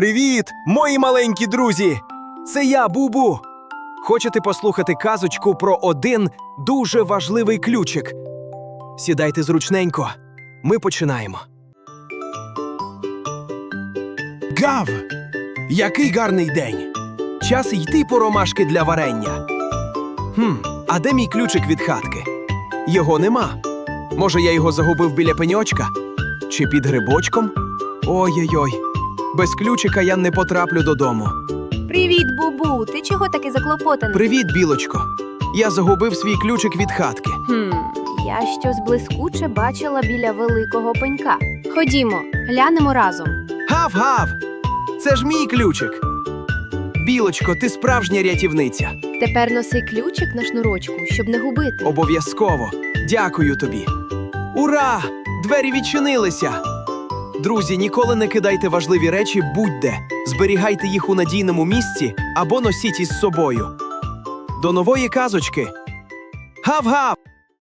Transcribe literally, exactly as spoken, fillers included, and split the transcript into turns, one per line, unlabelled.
Привіт, мої маленькі друзі! Це я, Бубу. Хочете послухати казочку про один дуже важливий ключик? Сідайте зручненько. Ми починаємо. Гав! Який гарний день! Час йти по ромашки для варення. Хм, а де мій ключик від хатки? Його нема. Може, я його загубив біля пеньочка? Чи під грибочком? Ой-ой-ой. Без ключика я не потраплю додому.
Привіт, Бубу! Ти чого такий заклопотаний?
Привіт, білочко. Я загубив свій ключик від хатки.
Хм, я щось блискуче бачила біля великого пенька. Ходімо, глянемо разом.
Гав-гав! Це ж мій ключик. Білочко, ти справжня рятівниця.
Тепер носи ключик на шнурочку, щоб не губити.
Обов'язково. Дякую тобі. Ура! Двері відчинилися! Друзі, ніколи не кидайте важливі речі будь-де. Зберігайте їх у надійному місці або носіть із собою. До нової казочки. Гав-гав!